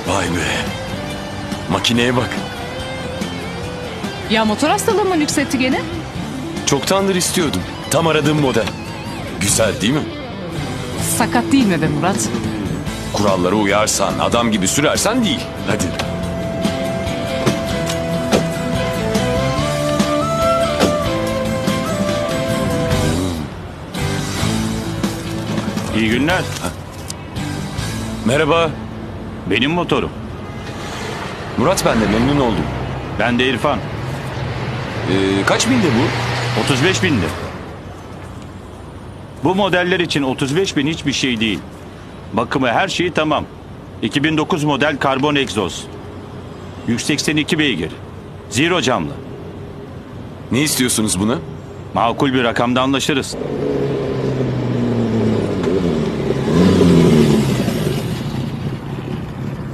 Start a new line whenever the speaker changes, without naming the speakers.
Vay be. Makineye bak.
Ya motor hastalığı mı nüksetti gene?
Çoktandır istiyordum. Tam aradığım model. Güzel değil mi?
Sakat değil mi be Murat?
Kurallara uyarsan, adam gibi sürersen değil. Hadi.
İyi günler.
Merhaba.
Benim motorum.
Murat ben de memnun oldum.
Ben de İrfan.
Kaç binde bu?
35 bindi. Bu modeller için 35 bin hiçbir şey değil. Bakımı her şeyi tamam. 2009 model karbon egzoz. 182 beygir. Zero camlı.
Ne istiyorsunuz buna?
Makul bir rakamda anlaşırız.